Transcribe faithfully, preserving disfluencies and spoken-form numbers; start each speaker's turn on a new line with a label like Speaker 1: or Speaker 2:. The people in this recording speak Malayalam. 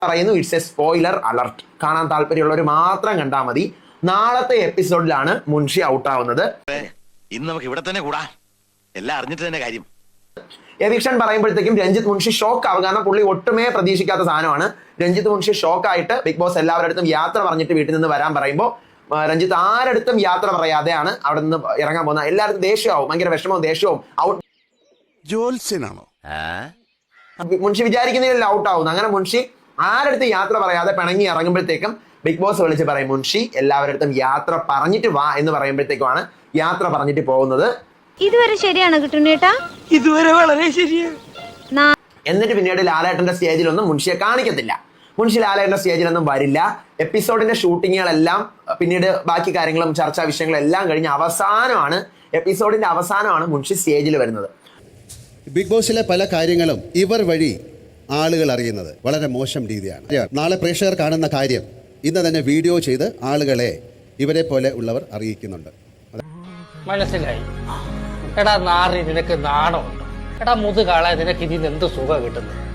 Speaker 1: പറയുന്നു ഇറ്റ്സ് എ സ്പോയിലർ അലർട്ട്. കാണാൻ താല്പര്യമുള്ളവർ മാത്രം കണ്ടാൽ മതി. നാളത്തെ എപ്പിസോഡിലാണ് മുൻഷി ഔട്ടാവുന്നത്.
Speaker 2: ഇന്ന് നമുക്ക് ഇവിടെ തന്നെ കൂടാ, എല്ലാം അറിഞ്ഞിട്ട് തന്നെ കാര്യം.
Speaker 1: എവിക്ഷൻ പറയുമ്പോഴത്തേക്കും രഞ്ജിത്ത് മുൻഷി ഷോക്ക് ആവുക. കാരണം പുള്ളി ഒട്ടുമേ പ്രതീക്ഷിക്കാത്ത സാധനമാണ്. രഞ്ജിത്ത് മുൻഷി ഷോക്കായിട്ട് ബിഗ് ബോസ് എല്ലാവരുടെ അടുത്തും യാത്ര പറഞ്ഞിട്ട് വീട്ടിൽ നിന്ന് വരാൻ പറയുമ്പോൾ രഞ്ജിത്ത് ആരടുത്തും യാത്ര പറയാതെയാണ് അവിടെ നിന്ന് ഇറങ്ങാൻ പോകുന്നത്. എല്ലാവർക്കും ദേഷ്യമാവും, ഭയങ്കര വിഷമവും ദേഷ്യവും. ഔട്ട്
Speaker 3: ജോത്സ്യനാണോ
Speaker 1: മുൻഷി വിചാരിക്കുന്നതിൽ ഔട്ട് ആവുന്നു. അങ്ങനെ മുൻഷി ആരടുത്ത് യാത്ര പറയാതെ പിണങ്ങി ഇറങ്ങുമ്പോഴത്തേക്കും ബിഗ് ബോസ് വിളിച്ച് പറയും മുൻഷി എല്ലാവരുടെ അടുത്തും യാത്ര പറഞ്ഞിട്ട് വാ എന്ന് പറയുമ്പോഴത്തേക്കുമാണ് യാത്ര പറഞ്ഞിട്ട് പോകുന്നത്.
Speaker 4: ഇതുവരെ ശരിയാണ് കിട്ടുന്നേട്ടാ,
Speaker 5: ഇതുവരെ വളരെ ശരിയാണ്.
Speaker 1: എന്നിട്ട് പിന്നീട് ലാലേട്ടന്റെ സ്റ്റേജിലൊന്നും മുൻഷിയെ കാണിക്കത്തില്ല. മുൻഷി ലാലേട്ടന്റെ സ്റ്റേജിലൊന്നും വരില്ല. എപ്പിസോഡിന്റെ ഷൂട്ടിങ്ങുകളെല്ലാം പിന്നീട് ബാക്കി കാര്യങ്ങളും ചർച്ചാ വിഷയങ്ങളും എല്ലാം കഴിഞ്ഞ് അവസാനമാണ് എപ്പിസോഡിന്റെ അവസാനമാണ് മുൻഷി സ്റ്റേജിൽ വരുന്നത്.
Speaker 6: ബിഗ് ബോസിലെ പല കാര്യങ്ങളും ഇവർ വഴി ആളുകൾ അറിയുന്നത് വളരെ മോശം രീതിയാണ്. നാളെ പ്രേക്ഷകർ കാണുന്ന കാര്യം ഇന്ന് തന്നെ വീഡിയോ ചെയ്ത് ആളുകളെ ഇവരെ പോലെ ഉള്ളവർ അറിയിക്കുന്നുണ്ട്.
Speaker 5: മനസ്സിലായി. എടാ നാറി, നിനക്ക് നാണമുണ്ട്. എടാ മുതുകാളെ, നിനക്ക് ഇതിന് എന്ത് സുഖം കിട്ടുന്നു?